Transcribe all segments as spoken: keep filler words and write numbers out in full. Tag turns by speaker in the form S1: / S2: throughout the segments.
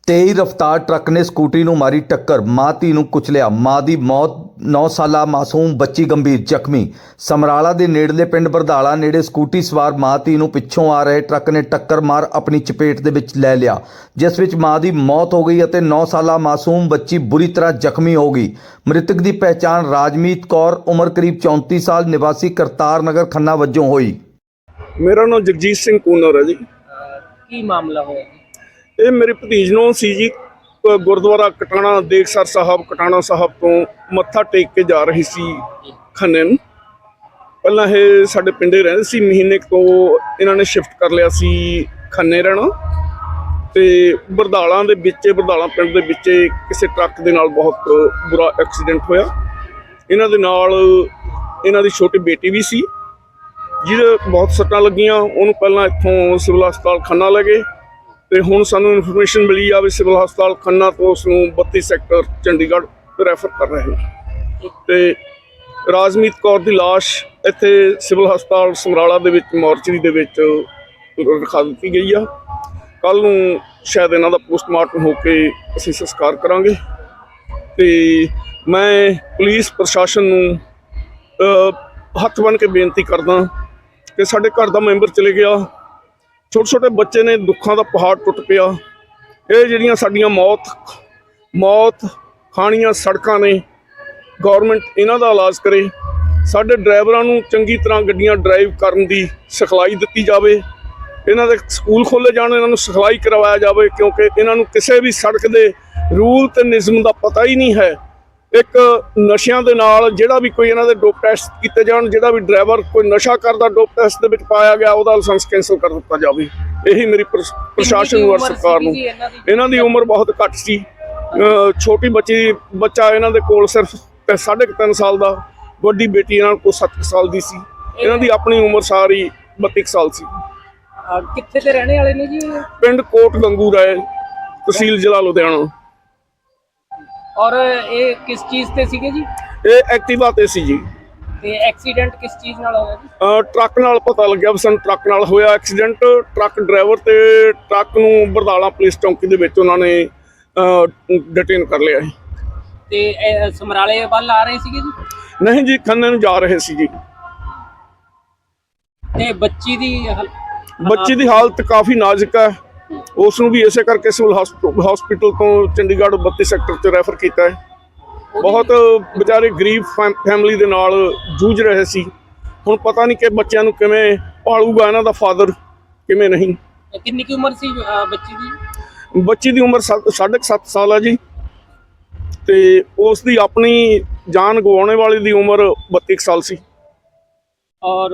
S1: तेज रफ्तार ट्रक ने स्कूटी नूं मारी टक्कर, मां धी नूं कुचलिया। मां दी मौत, नौ साला मासूम बच्ची गंभीर जख्मी। समराला दे नेड़ले पिंड बरधाला नेड़े स्कूटी सवार मां धी नूं पिछों आ रहे ट्रक ने टक्कर मार अपनी चपेट दे विच लै लिया, जिस विच मां दी मौत हो गई अते नौ साला मासूम बच्ची बुरी तरह जख्मी हो गई। मृतक की पहचान राजमीत कौर उम्र करीब चौंती साल निवासी करतार नगर खन्ना वजों हुई।
S2: मेरा नाम जगजीत सिंह कूनर है जी।
S3: की मामला होया जी?
S2: ये मेरे भतीज ਨੂੰ ਸੀ ਜੀ, गुरुद्वारा कटाना देखसर साहब कटाना साहब तो मत्था टेक के जा रही सी खन्ने ਨੂੰ। ਪਹਿਲਾਂ ਇਹ ਸਾਡੇ ਪਿੰਡੇ ਰਹਿੰਦੇ ਸੀ, ਮਹੀਨੇ ਤੋਂ ਇਹਨਾਂ ਨੇ ਸ਼ਿਫਟ ਕਰ ਲਿਆ ਸੀ ਖੰਨੇ ਰਹਿਣਾ। ਤੇ ਬਰਦਾਲਾਂ ਦੇ ਵਿੱਚ ਬਰਦਾਲਾਂ ਪਿੰਡ ਦੇ ਵਿੱਚ ਕਿਸੇ ਟਰੱਕ ਦੇ ਨਾਲ ਬਹੁਤ ਬੁਰਾ ਐਕਸੀਡੈਂਟ ਹੋਇਆ। ਇਹਨਾਂ ਦੇ ਨਾਲ ਇਹਨਾਂ ਦੀ ਛੋਟੀ ਬੇਟੀ ਵੀ ਸੀ ਜਿਹਦੇ ਬਹੁਤ ਸੱਟਾਂ ਲੱਗੀਆਂ। ਉਹਨੂੰ ਪਹਿਲਾਂ ਇੱਥੋਂ ਸਿਵਲ ਹਸਪਤਾਲ ਖੰਨਾ ਲੈ ਗਏ ਤੇ ਹੁਣ ਸਾਨੂੰ ਇਨਫੋਰਮੇਸ਼ਨ ਮਿਲੀ ਆ ਵੀ ਸਿਵਲ ਹਸਪਤਾਲ ਖੰਨਾ ਤੋਂ ਉਸ ਨੂੰ ਬੱਤੀ ਸੈਕਟਰ ਚੰਡੀਗੜ੍ਹ ਰੈਫਰ ਕਰ ਰਹੇ ਨੇ। ਤੇ ਰਾਜਮੀਤ ਕੌਰ ਦੀ ਲਾਸ਼ ਇੱਥੇ ਸਿਵਲ ਹਸਪਤਾਲ ਸਮਰਾਲਾ ਦੇ ਵਿੱਚ ਮੋਰਚਰੀ ਦੇ ਵਿੱਚ ਰਖਾ ਦਿੱਤੀ ਗਈ ਆ। ਕੱਲ੍ਹ ਨੂੰ ਸ਼ਾਇਦ ਇਹਨਾਂ ਦਾ ਪੋਸਟਮਾਰਟਮ ਹੋ ਕੇ ਅਸੀਂ ਸੰਸਕਾਰ ਕਰਾਂਗੇ। ਤੇ ਮੈਂ ਪੁਲਿਸ ਪ੍ਰਸ਼ਾਸਨ ਨੂੰ ਹੱਥ ਬੰਨ੍ਹ ਕੇ ਬੇਨਤੀ ਕਰਦਾ ਕਿ ਸਾਡੇ ਘਰ ਦਾ ਮੈਂਬਰ ਚਲੇ ਗਿਆ, ਛੋਟੇ ਛੋਟੇ ਬੱਚੇ ਨੇ, ਦੁੱਖਾਂ ਦਾ ਪਹਾੜ ਟੁੱਟ ਪਿਆ। ਇਹ ਜਿਹੜੀਆਂ ਸਾਡੀਆਂ ਮੌਤ ਮੌਤ ਖਾਣੀਆਂ ਸੜਕਾਂ ਨੇ, ਗੌਰਮੈਂਟ ਇਹਨਾਂ ਦਾ ਇਲਾਜ ਕਰੇ। ਸਾਡੇ ਡਰਾਈਵਰਾਂ ਨੂੰ ਚੰਗੀ ਤਰ੍ਹਾਂ ਗੱਡੀਆਂ ਡਰਾਈਵ ਕਰਨ ਦੀ ਸਿਖਲਾਈ ਦਿੱਤੀ ਜਾਵੇ। ਇਹਨਾਂ ਦੇ ਸਕੂਲ ਖੋਲ੍ਹੇ ਜਾਣ, ਇਹਨਾਂ ਨੂੰ ਸਿਖਲਾਈ ਕਰਵਾਇਆ ਜਾਵੇ, ਕਿਉਂਕਿ ਇਹਨਾਂ ਨੂੰ ਕਿਸੇ ਵੀ ਸੜਕ ਦੇ ਰੂਲ ਅਤੇ ਨਿਯਮ ਦਾ ਪਤਾ ਹੀ ਨਹੀਂ ਹੈ। ਇੱਕ ਨਸ਼ਿਆਂ ਦੇ ਨਾਲ ਜਿਹੜਾ ਵੀ ਕੋਈ ਇਹਨਾਂ ਦੇ ਡੋਪ ਟੈਸਟ ਕੀਤੇ ਜਾਣ, ਜਿਹੜਾ ਵੀ ਡਰਾਈਵਰ ਕੋਈ ਨਸ਼ਾ ਕਰਦਾ ਡੋਪ ਟੈਸਟ ਦੇ ਵਿੱਚ ਪਾਇਆ ਗਿਆ ਉਹਦਾ ਲਾਇਸੈਂਸ ਕੈਂਸਲ ਕਰ ਦਿੱਤਾ ਜਾਵੇ। ਇਹੀ ਮੇਰੀ ਪ੍ਰਸ਼ਾਸਨ ਨੂੰ ਔਰ ਸਰਕਾਰ ਨੂੰ। ਇਹਨਾਂ ਦੀ ਉਮਰ ਬਹੁਤ ਘੱਟ ਸੀ, ਛੋਟੀ ਬੱਚੀ ਬੱਚਾ ਇਹਨਾਂ ਦੇ ਕੋਲ ਸਿਰਫ ਸਾਢੇ ਕੁ ਤਿੰਨ ਸਾਲ ਦਾ, ਵੱਡੀ ਬੇਟੀ ਇਹਨਾਂ ਕੋਲ ਸੱਤ ਸਾਲ ਦੀ ਸੀ। ਇਹਨਾਂ ਦੀ ਆਪਣੀ ਉਮਰ ਸਾਰੀ ਬੱਤੀ ਕੁ ਸਾਲ ਸੀ।
S3: ਕਿੱਥੇ ਦੇ ਰਹਿਣੇ ਵਾਲੇ ਨੇ ਜੀ?
S2: ਪਿੰਡ ਕੋਟ ਗੰਗੂ ਰਾਏ, ਤਹਿਸੀਲ ਜ਼ਿਲ੍ਹਾ ਲੁਧਿਆਣਾ।
S3: ਔਰ ਇਹ ਕਿਸ ਚੀਜ਼ ਤੇ ਸੀਗੇ ਜੀ?
S2: ਇਹ ਐਕਟਿਵਾ ਤੇ ਸੀ ਜੀ।
S3: ਤੇ ਐਕਸੀਡੈਂਟ ਕਿਸ ਚੀਜ਼ ਨਾਲ ਹੋਇਆ ਜੀ?
S2: ਟਰੱਕ ਨਾਲ ਪਤਾ ਲੱਗਿਆ ਵੀ ਸਾਨੂੰ ਟਰੱਕ ਨਾਲ ਹੋਇਆ ਐਕਸੀਡੈਂਟ। ਟਰੱਕ ਡਰਾਈਵਰ ਤੇ ਟਰੱਕ ਨੂੰ ਬਰਦਾਲਾ ਪੁਲਿਸ ਚੌਂਕੀ ਦੇ ਵਿੱਚ ਉਹਨਾਂ ਨੇ ਡਿਟੇਨ ਕਰ ਲਿਆ ਸੀ।
S3: ਤੇ ਇਹ ਸਮਰਾਲੇ ਵੱਲ ਆ ਰਹੇ ਸੀਗੇ ਜੀ?
S2: ਨਹੀਂ ਜੀ, ਖੰਨੇ ਨੂੰ ਜਾ ਰਹੇ ਸੀ ਜੀ।
S3: ਤੇ ਬੱਚੀ ਦੀ ਹਾਲ-
S2: ਬੱਚੀ ਦੀ ਹਾਲਤ ਕਾਫੀ ਨਾਜ਼ੁਕ ਹੈ। ਉਸ ਨੂੰ ਵੀ ਇਸੇ ਕਰਕੇ ਸਿਵਲ ਹਸਪੀਟਲ ਤੋਂ ਚੰਡੀਗੜ੍ਹ ਬੱਤੀ ਸੈਕਟਰ 'ਚ ਰੈਫਰ ਕੀਤਾ ਹੈ। ਬਹੁਤ ਵਿਚਾਰੇ ਗਰੀਬ ਫੈਮਿਲੀ ਦੇ ਨਾਲ ਜੂਝ ਰਹੇ ਸੀ। ਹੁਣ ਪਤਾ ਨਹੀਂ ਕਿ ਬੱਚਿਆਂ ਨੂੰ ਕਿਵੇਂ ਪਾਲੂਗਾ ਇਹਨਾਂ ਦਾ ਫਾਦਰ, ਕਿਵੇਂ ਨਹੀਂ।
S3: ਕਿੰਨੀ ਕੀ ਉਮਰ ਸੀ ਬੱਚੀ ਦੀ?
S2: ਬੱਚੀ ਦੀ ਉਮਰ ਸਾਢੇ ਸੱਤ ਸਾਲ ਹੈ ਜੀ। ਤੇ ਉਸ ਦੀ ਆਪਣੀ ਜਾਨ ਗਵਾਉਣੇ ਵਾਲੀ ਦੀ ਉਮਰ ਬੱਤੀ ਕੁ ਸਾਲ ਸੀ।
S3: ਔਰ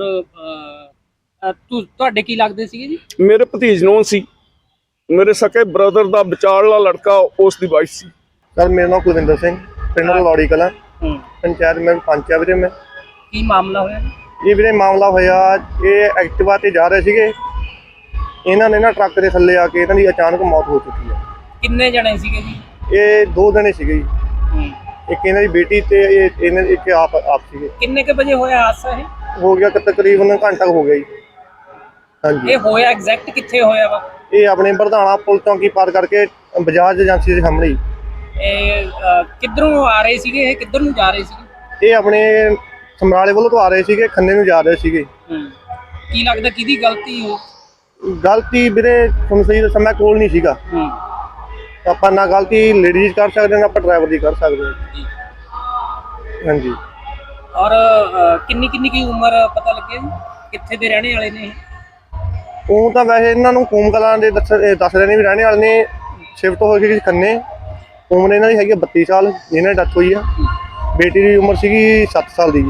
S3: ਤੁਹਾਡੇ ਕੀ ਲੱਗਦੇ ਸੀਗੇ ਜੀ?
S2: ਮੇਰੇ ਭਤੀਜ ਨੂੰ ਸੀ, ਮੇਰੇ ਸਕੇ ਬ੍ਰਦਰ ਦਾ ਵਿਚਾਰਲਾ ਲੜਕਾ, ਉਸ ਦੀ ਵਾਈਫ ਸੀ।
S4: सर मेरा नाम कुलविंदर सिंह, पिंड लौड़ी कला, पंचायत में पंच है वीरे। मैं
S3: ਕੀ ਮਾਮਲਾ ਹੋਇਆ?
S4: ये वीरे मामला होया, ये एक्टिवा ते जा रहे सीगे, इन्हां ने ना ट्रक दे थल्ले आके इन्हां दी अचानक मौत हो चुकी है।
S3: ਕਿੰਨੇ ਜਣੇ ਸੀਗੇ ਜੀ?
S4: ये दो जने सीगे जी, एक इन्हां दी बेटी ते इन्हां एक आप आप सीगे।
S3: ਕਿੰਨੇ ਕੇ ਵਜੇ ਹੋਇਆ ਹਾਦਸਾ ਇਹ?
S4: हो गया कि तकरीबन घंटा हो गया जी। हाँ जी,
S3: ਇਹ ਹੋਇਆ ਐਗਜ਼ੈਕਟ ਕਿੱਥੇ ਹੋਇਆ ਵਾ?
S4: ये अपने बरधाना पुल चौंकी पार करके बजाज एजेंसी के सामने ही।
S3: ਇਹ ਕਿੱਧਰੋਂ ਆ ਰਹੇ ਸੀਗੇ? ਇਹ ਕਿੱਧਰ ਨੂੰ ਜਾ ਰਹੇ ਸੀਗੇ?
S4: ये अपने समराले वालों तो आ रहे सीगे, खन्ने नूं जा रहे सीगे।
S3: ਕੀ ਲੱਗਦਾ ਕਿਹਦੀ ਗਲਤੀ ਹੋ?
S4: गलती वीरे तुहानूं सही दस्सां, मैं कोल नहीं सीगा। ਆਪਾਂ ਨਾ ਗਲਤੀ ਲੇਡੀਜ਼ ਕਰ ਸਕਦੇ ਨਾ ਆਪਾਂ ਡਰਾਈਵਰ ਦੀ ਕਰ ਸਕਦੇ ਹਾਂ। ਹਾਂਜੀ।
S3: ਔਰ ਕਿੰਨੀ ਕਿੰਨੀ ਕੀ ਉਮਰ ਪਤਾ ਲੱਗਿਆ ਜੀ? ਕਿੱਥੇ ਦੇ ਰਹਿਣੇ ਵਾਲੇ ਨੇ?
S4: ਉਹ ਤਾਂ ਵੈਸੇ ਇਹਨਾਂ ਨੂੰ ਕੂਮ ਕਲਾਂ ਦੇ ਦੱਸ ਦੱਸ ਰਹੇ ਨੇ ਵੀ ਰਹਿਣੇ ਵਾਲੇ ਨੇ, ਸ਼ਿਫਟ ਹੋ ਗਏ ਖੰਨੇ। ਉਮਰ ਇਹਨਾਂ ਦੀ ਹੈਗੀ ਬੱਤੀ ਸਾਲ, ਜਿਹਨਾਂ ਦੀ ਡੈਥ ਹੋਈ ਆ। ਬੇਟੀ ਦੀ ਉਮਰ ਸੀਗੀ ਸੱਤ ਸਾਲ ਦੀ ਜੀ।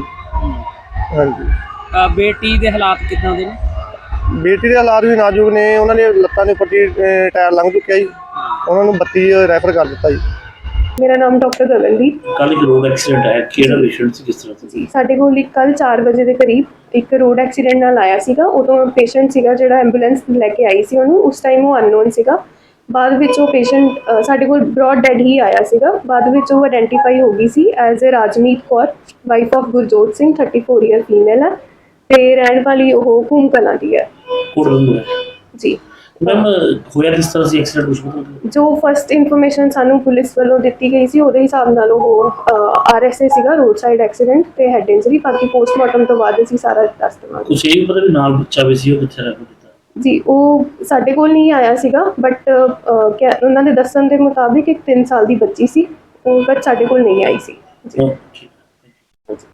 S4: ਹਾਂਜੀ।
S3: ਬੇਟੀ ਦੇ ਹਾਲਾਤ ਕਿੱਦਾਂ ਦੇ ਨੇ?
S4: ਬੇਟੀ ਦੇ ਹਾਲਾਤ ਵੀ ਨਾਜ਼ੁਕ ਨੇ, ਉਹਨਾਂ ਦੇ ਲੱਤਾਂ ਦੇ ਉੱਪਰ ਦੀ ਟਾਇਰ ਲੰਘ ਚੁੱਕਿਆ ਜੀ, ਉਹਨਾਂ ਨੂੰ ਬੱਤੀ ਰੈਫਰ ਕਰ ਦਿੱਤਾ ਜੀ।
S5: मेरा नाम डॉक्टर गगनदीप।
S6: ਕੱਲ ਇੱਕ ਰੋਡ ਐਕਸੀਡੈਂਟ ਆਇਆ, ਕਿਹੜਾ ਪੇਸ਼ੈਂਟ ਸੀ, ਕਿਸ ਤਰ੍ਹਾਂ ਸੀ?
S5: ਸਾਡੇ ਕੋਲ ਇੱਕ ਕੱਲ ਚਾਰ ਵਜੇ ਦੇ ਕਰੀਬ ਇੱਕ ਰੋਡ ਐਕਸੀਡੈਂਟ ਨਾਲ ਆਇਆ ਸੀਗਾ। ਉਦੋਂ ਪੇਸ਼ੈਂਟ ਸੀਗਾ ਜਿਹੜਾ ਐਂਬੂਲੈਂਸ ਲੈ ਕੇ ਆਈ ਸੀ ਉਹਨੂੰ, ਉਸ ਟਾਈਮ ਉਹ ਅਨਨੋਨ ਸੀਗਾ। ਬਾਅਦ ਵਿੱਚ ਉਹ ਪੇਸ਼ੈਂਟ ਸਾਡੇ ਕੋਲ ਬ੍ਰੌਡ ਡੈਡ ਹੀ ਆਇਆ ਸੀਗਾ। ਬਾਅਦ ਵਿੱਚ ਉਹ ਆਇਡੈਂਟੀਫਾਈ ਹੋ ਗਈ ਸੀ as a Rajmeet Kaur, wife of Gurjot Singh, thirty four year female ਹੈ ਤੇ ਰਹਿਣ ਵਾਲੀ ਉਹ ਕੂਮ ਕਲਾਂ ਦੀ ਹੈ ਜੀ।
S6: ਮੈਮ ਹੋਇਆ ਕਿਸ ਤਰ੍ਹਾਂ ਸੀ ਐਕਸੀਡੈਂਟ ਕੁਝ ਪਤਾ ਲੱਗਿਆ?
S5: ਜੋ ਫਸਟ ਇਨਫੋਰਮੇਸ਼ਨ ਸਾਨੂੰ ਪੁਲਿਸ ਵੱਲੋਂ ਦਿੱਤੀ ਗਈ ਸੀ ਉਹਦੇ ਹਿਸਾਬ ਨਾਲ ਉਹ ਆਰਐਸਏ ਸੀਗਾ, ਰੋਡ ਸਾਈਡ ਐਕਸੀਡੈਂਟ ਤੇ ਹੈਡ ਇੰਜਰੀ। ਬਾਕੀ ਪੋਸਟਮਾਰਟਮ ਤੋਂ ਬਾਅਦ ਅਸੀਂ ਸਾਰਾ ਦੱਸ ਦੇਵਾਂਗੇ।
S6: ਕੁਛ ਇਹ ਵੀ ਪਤਾ ਵੀ ਨਾਲ ਬੱਚਾ ਵੀ ਸੀ, ਉਹ ਕਿੱਥੇ ਰਹਿ ਗਿਆ?
S5: ਜੀ ਉਹ ਸਾਡੇ ਕੋਲ ਨਹੀਂ ਆਇਆ ਸੀਗਾ, ਬਟ ਉਹਨਾਂ ਦੇ ਦੱਸਣ ਦੇ ਮੁਤਾਬਿਕ ਇੱਕ ਤਿੰਨ ਸਾਲ ਦੀ ਬੱਚੀ ਸੀ, ਉਹ ਬਟ ਸਾਡੇ ਕੋਲ ਨਹੀਂ ਆਈ ਸੀ ਜੀ।
S6: ਉਹ ਠੀਕ।